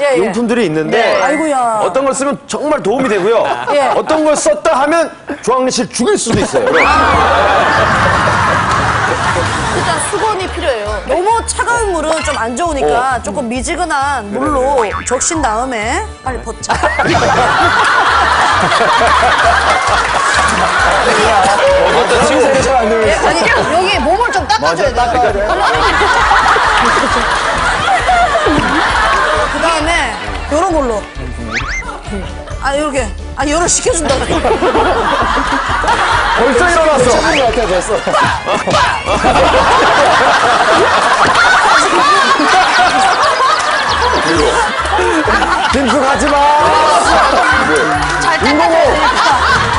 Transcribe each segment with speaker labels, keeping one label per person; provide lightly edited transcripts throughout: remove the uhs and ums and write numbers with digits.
Speaker 1: 예, 예.
Speaker 2: 용품들이 있는데
Speaker 1: 네. 아이고야.
Speaker 2: 어떤 걸 쓰면 정말 도움이 되고요.
Speaker 1: 예.
Speaker 2: 어떤 걸 썼다 하면 조항래 씨를 죽일 수도 있어요.
Speaker 1: 일단 수건이 필요해요. 너무 차가운 물은 좀 안 좋으니까 조금 미지근한 물로 적신 다음에 빨리 벗자. 아니 여기 몸을 좀 닦아줘야 돼. 그 다음에 요런 걸로. 아 이렇게. 아 열을 식혀준다.
Speaker 2: 벌써 일어났어.
Speaker 3: 됐어.
Speaker 2: 김수 가지 마.
Speaker 1: 잘 닦아줘야 되니까.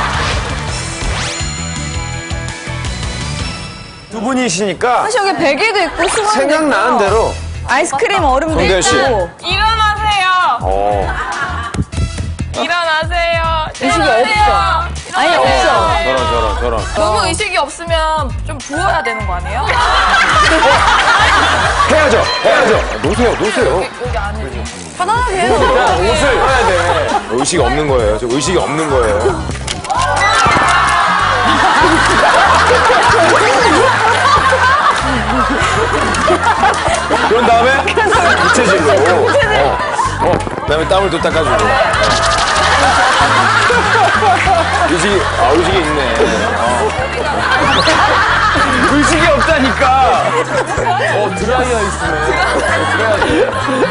Speaker 2: 두 분이시니까
Speaker 4: 사실 여기 베개도 있고 수건도
Speaker 2: 생각나는
Speaker 4: 있고요.
Speaker 2: 대로.
Speaker 4: 아이스크림 얼음도
Speaker 2: 정대현 씨.
Speaker 4: 있고.
Speaker 5: 일어나세요. 일어나세요.
Speaker 4: 의식이 없어. 아니 없어.
Speaker 2: 저런.
Speaker 5: 너무 의식이 없으면 좀 부어야 되는 거 아니에요?
Speaker 2: 해야죠. 놓으세요.
Speaker 5: 여기 안에.
Speaker 1: 편안하게 해요.
Speaker 2: 옷을 해야 돼. 의식이 없는 거예요. 저 의식이 없는 거예요. 그런 다음에 부채질로. 그다음에 땀을 또 닦아주고. 의식이 있네. 의식이 없다니까. 드라이어 있으네.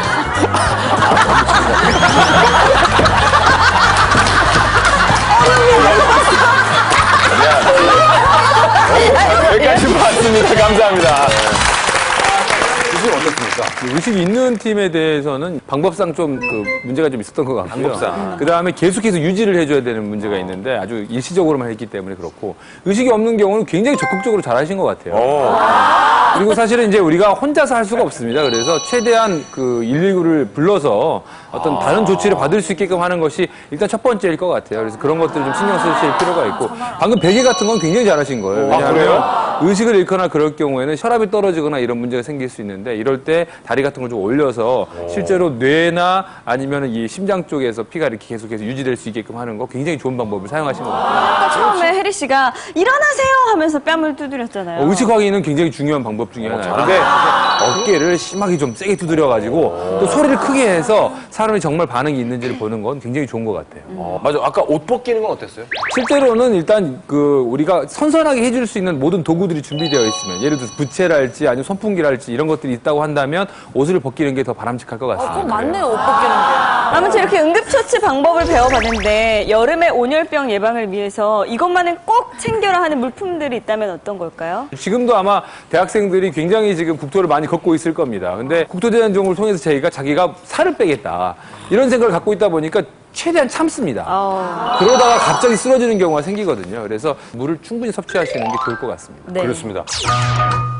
Speaker 2: 여기까지 봤습니다. 감사합니다. 의식 어떻습니까?
Speaker 6: 의식이 있는 팀에 대해서는 방법상 좀 문제가 좀 있었던 것 같고요.
Speaker 2: 방법상.
Speaker 6: 그 다음에 계속해서 유지를 해줘야 되는 문제가 있는데 아주 일시적으로만 했기 때문에 그렇고 의식이 없는 경우는 굉장히 적극적으로 잘하신 것 같아요. 그리고 사실은 이제 우리가 혼자서 할 수가 없습니다. 그래서 최대한 119를 불러서 어떤 다른 조치를 받을 수 있게끔 하는 것이 일단 첫 번째일 것 같아요. 그래서 그런 것들을 좀 신경 쓰실 필요가 있고 방금 베개 같은 건 굉장히 잘하신 거예요. 왜냐하면 의식을 잃거나 그럴 경우에는 혈압이 떨어지거나 이런 문제가 생길 수 있는데 이럴 때 다리 같은 걸 좀 올려서 실제로 뇌나 아니면 이 심장 쪽에서 피가 이렇게 계속해서 유지될 수 있게끔 하는 거 굉장히 좋은 방법을 사용하신 것 같아요.
Speaker 4: 아까 처음에 혜리 씨가 일어나세요 하면서 뺨을 두드렸잖아요.
Speaker 6: 의식 확인은 굉장히 중요한 방법 중에 하나예요. 근데 어깨를 심하게 좀 세게 두드려가지고 또 소리를 크게 해서 사람이 정말 반응이 있는지를 보는 건 굉장히 좋은 것 같아요.
Speaker 2: 맞아. 아까 옷 벗기는 건 어땠어요?
Speaker 6: 실제로는 일단 우리가 선선하게 해줄 수 있는 모든 도구들이 준비되어 있으면 예를 들어서 부채랄지 아니면 선풍기랄지 이런 것들이 있다고 한다면 옷을 벗기는 게 더 바람직할 것 같습니다.
Speaker 1: 그건 맞네요. 옷 벗기는 게.
Speaker 4: 아무튼 이렇게 응급처치 방법을 배워봤는데 여름에 온열병 예방을 위해서 이것만은 꼭 챙겨라 하는 물품들이 있다면 어떤 걸까요?
Speaker 6: 지금도 아마 대학생들이 굉장히 지금 국토를 많이 걷고 있을 겁니다. 근데 국토대장정을 통해서 자기가 살을 빼겠다 이런 생각을 갖고 있다 보니까 최대한 참습니다. 그러다가 갑자기 쓰러지는 경우가 생기거든요. 그래서 물을 충분히 섭취하시는 게 좋을 것 같습니다.
Speaker 4: 네.
Speaker 2: 그렇습니다.